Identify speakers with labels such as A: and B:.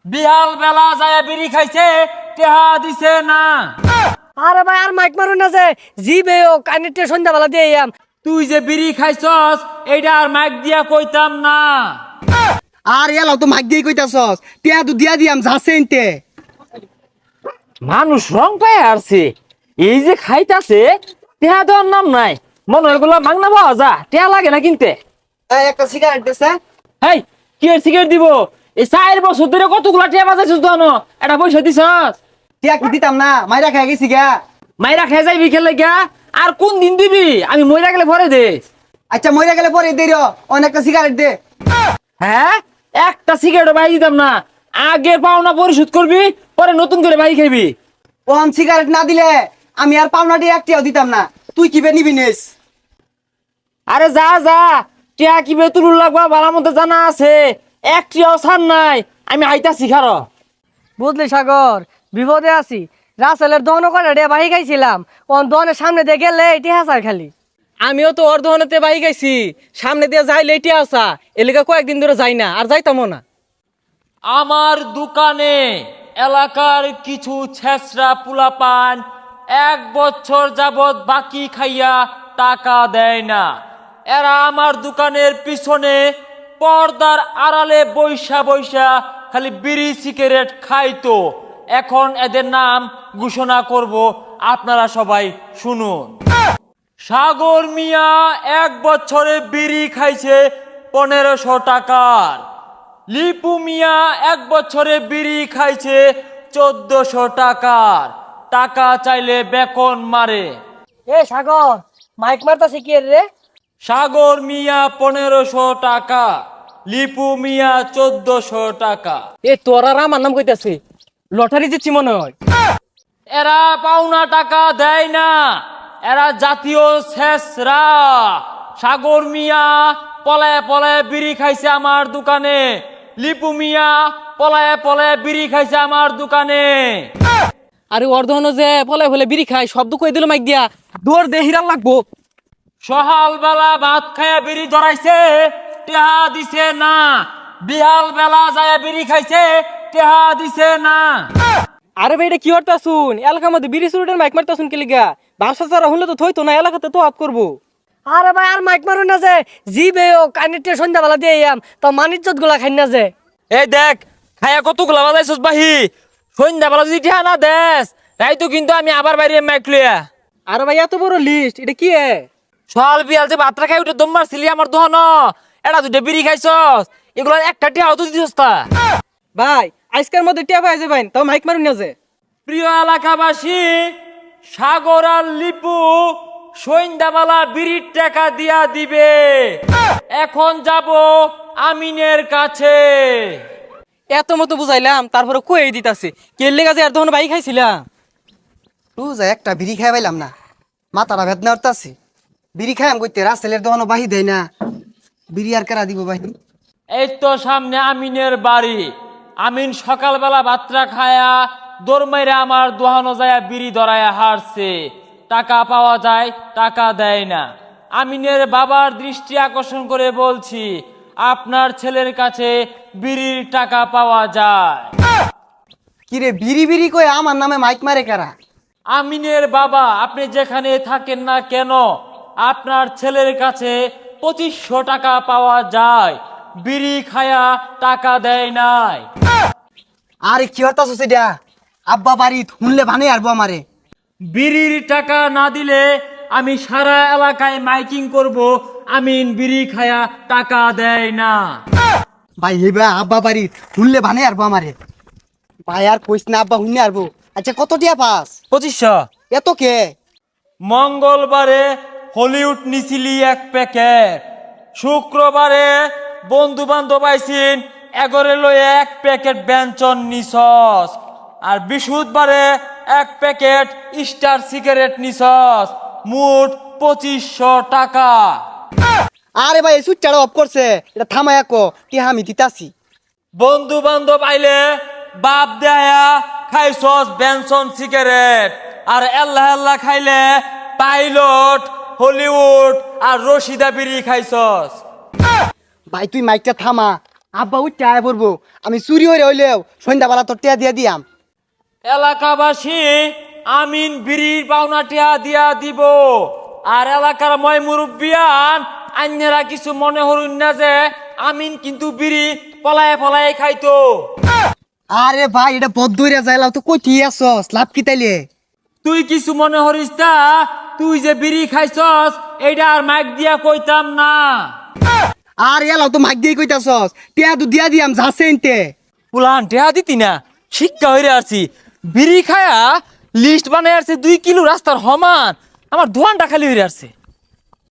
A: বিহাল বেলা যায় বিড়ি খাইছে, টেহা দিছে না।
B: আরে ভাই আর মাইক মারুন না যে জিবে ও কানেক্টে সন্ধ্যাবেলা দিয়ে আম।
A: তুই যে বিড়ি খাইছস এইটা আর মাইক দিয়া কইতাম না।
C: আর এলাও তো মাইক দিয়ে কইতাছস, টিয়া তো দিয়া দিয়াম যাচ্ছে ইনতে।
A: মানুষ রং পায় আসছে, এই যে খাইতাছে টেহা দেওয়ার নাম নাই। মনে হয় গুলা মাগনা পাওয়া যা, টেহা লাগে না কিনতে।
C: একটা সিগারেট দেছে।
A: হেই, কি এর সিগারেট দিব? এই 4 বছর ধরে কতগুলা টেহা বাজাইছিস তো, এটা পয়সা দিছস?
C: টিয়া কি দিতাম না, মাইরা খাই গেছি গা।
A: মাইরা খেয়ে যাইবি খেলে গা, আর কোন দিন দিবি? আমি মইরা গেলে ভরে দিস।
C: আচ্ছা মইরা গেলে পরে দে রে, অনেকটা সিগারেট দে।
A: হ্যাঁ, একটা সিগারেট বাই দিতাম না। আগে পাওনা পরিশোধ করবি, পরে নতুন করে বাই খাইবি।
C: ওন সিগারেট না দিলে আমি আর পাওনা দিয়ে একটিও দিতাম না। তুই কি বে নিবি নিস?
A: আরে যা যা, টিয়া কি বেতুল লাগবা ভালো মতো জানা আছে। একটিও ছাড় নাই, আমি আইতাছি খারো।
B: বুঝলি সাগর, বিপদে আছি। রাসেলের দহন করে রে বাহি গাইছিলাম, ওন দহনের সামনে দিয়ে গেলে এটি হাসার খালি।
D: আমিও তো ওর দহনেতে বাই গাইছি, সামনে দিয়ে যাই লেটে আসা, এলাকা কয়েকদিন ধরে যাই না, আর যাইতামও না।
A: আমার দোকানে এলাকার কিছু ছেসরা পুলাপান 1 বছর যাবত বাকি খাইয়া টাকা দেয় না। এরা আমার দোকানের পিছনে পর্দার আড়ালে বৈশা বৈশা খালি বিড়ি সিগারেট খাইতো। এখন এদের নাম ঘোষণা করব, আপনারা সবাই শুনুন। সাগর মিয়া 1 বছরে বিড়ি খাইছে 1500 টাকার। লিপু মিয়া 1 বছরে বিড়ি খাইছে 1400 টাকার। টাকা চাইলে বেকন মারে।
B: এ সাগর, মাইক মারতাছে কি রে?
A: সাগর মিয়া 1500 টাকা, লিপু মিয়া 1400 টাকা।
D: এ তোর আর আমার নাম কইতাছে, লটারি জিতছি মনে হয়।
A: এরা পাওনা টাকা দেয় না, এরা জাতীয় ছেসরা। সাগর মিয়া পলায় পলায় বিড়ি খাইছে আমার দোকানে, লিপু মিয়া পলায় পলায় বিড়ি খাইছে আমার দোকানে।
D: আরে ওর দহন যে ফলে ফলে বিড়ি খায়, শব্দ কই দিল মাইক দিয়া, দৌড় দে হিরাল লাগবো।
A: সকাল বেলা ভাত খায়া বিড়ি ধরাইছে, টেহা দিছে না। বিহাল বেলা যায় বিড়ি খাইছে, টেহা দিছে না।
D: আরে ভাই এটা কি হরতা শুন, এলাকার মধ্যে বিড়ি সুরুটের মাইক মারতা শুন কি লিগা? ব্যবসা ছাড়া হলে তো থইতো না, এলাকাতে তো আপ করবো।
B: আরে ভাই আর মাইক মারুন না যে জিবে ও কানেক্টে সন্ধ্যাবেলা দিয়ে আম, তো মানিজ্জত গুলা খাই না যে।
A: এই দেখ, খায়া কতগুলা বাজাইছস বাহি। সন্ধ্যা বেলা যদি টেহা না দেস, রাইতো কিন্তু আমি আবার বাইরে মাইক লইয়া।
D: আরে ভাই এত বড় লিস্ট, এটা কি এ?
A: সকাল বিয়াল যে ভাতটা খাই উঠে দম মারছিলি আমার দহন, এটা দুটো বিড়ি খাইছস, এগুলো একটা টেহাও তো দিছস তা।
D: ভাই আজকের মধ্যে টিয়া পাই যাবেন, তাও মাইক মারুন না যে।
A: প্রিয় এলাকাবাসী, সাগর আর লিপু সন্ধ্যাবেলা বিড়ির টাকা দিয়া দিবে। এখন যাব আমিনের কাছে।
D: এত মতো বুঝাইলাম, তারপরে কই দিতাছে কে লেগা যে আর দহন বাই খাইছিলাম।
C: তুই যা একটা বিড়ি খাই পাইলাম না, মাথাটা বেদনা উঠতাছে। বিড়ি খাইম কইতে রাসেলের দহনো বাহি দেয় না, বিড়ি আর কেরা দিব বাহি?
A: এই তো সামনে আমিনের বাড়ি। আমিন সকালবেলা ভাতটা খায়া দৌড় মাইরা আমার দোহানো যায় বিড়ি ধরায়া হারছে। টাকা পাওয়া যায়, টাকা দেয় না। আমিনের বাবার দৃষ্টি আকর্ষণ করে বলছি, আপনার ছেলের কাছে বিড়ির টাকা পাওয়া যায়।
C: কিরে বিড়ি বিড়ি কই আমার নামে মাইক মারে কারা?
A: আমিনের বাবা, আপনি যেখানে থাকেন না কেন, আপনার ছেলের কাছে 2500 টাকা পাওয়া যায়। বিড়ি খায়া টাকা দেয় নাই।
C: আরে কি হতাছ সেটা? আব্বা বাড়ি শুনলে ভানে আরবো আমারে।
A: বিড়ির টাকা না দিলে আমি সারা এলাকায় মাইকিং করব, আমিন বিড়ি খায়া টাকা দেয় না।
C: ভাই হেবা আব্বা বাড়ি শুনলে ভানে আরবো আমারে। ভাই আর কইস না, আব্বা শুনে আরবো। আচ্ছা কত টিয়া পাস?
A: 2500।
C: এত কে?
A: মঙ্গলবারে হলিউড নিছিলি 1 প্যাকেট, শুক্রবারে বন্ধু বান্ধব আইসিন এগরে লয়ে 1 প্যাকেট ব্যঞ্জন নিছস, আর বৃহস্পতিবারে 1 প্যাকেট স্টার সিগারেট নিছস। মোট 2500 টাকা।
C: আরে ভাই সুইচটা অফ করছে, এটা থামায়া কো টিয়া আমি দিতাছি।
A: বন্ধু বান্ধব আইলে বাপ দেয়া খাইছস বেনসন সিগারেট, আর আল্লাহ আল্লাহ খাইলে পাইলট, হলিউড আর রশিদা বিড়ি খাইছস।
C: ভাই তুই মাইকটা থামা, আব্বা উঠতে আয় পড়বো আমি চুরি হয়ে হইলেও সন্ধ্যাবেলা তোর টিয়া দিয়া দিয়াম।
A: এলাকাবাসী আমিন বিড়ির পাওনা টিয়া দিয়া দিব। আর এলাকার ময় মুরব্বিয়ান আন্যেরা কিছু মনে হরুন না যে আমিন কিন্তু বিড়ি পলায়ে পলায়ে খাইতো।
C: আরে ভাই এটা বদ্ধইরা যাইলাও তো কই ঠিক আছস লাভ কি তাইলে?
A: তুই কিছু মনে হরিস তা, তুই যে বিড়ি খাইছস এইটা আর মাইক দিয়া কইতাম না।
C: আর এলাও তো মাইক দিয়ে কইতাছস টিয়া তো দিয়া দিয়াম যাচ্ছে এনতে।
A: পুলান টেহা দিতি না, শিক্ষা হইরে আসছি। বিড়ি খায়া লিস্ট বানাই আসছে 2 কিলো রাস্তার সমান, আমার দোয়ানটা খালি হইরে আসছে।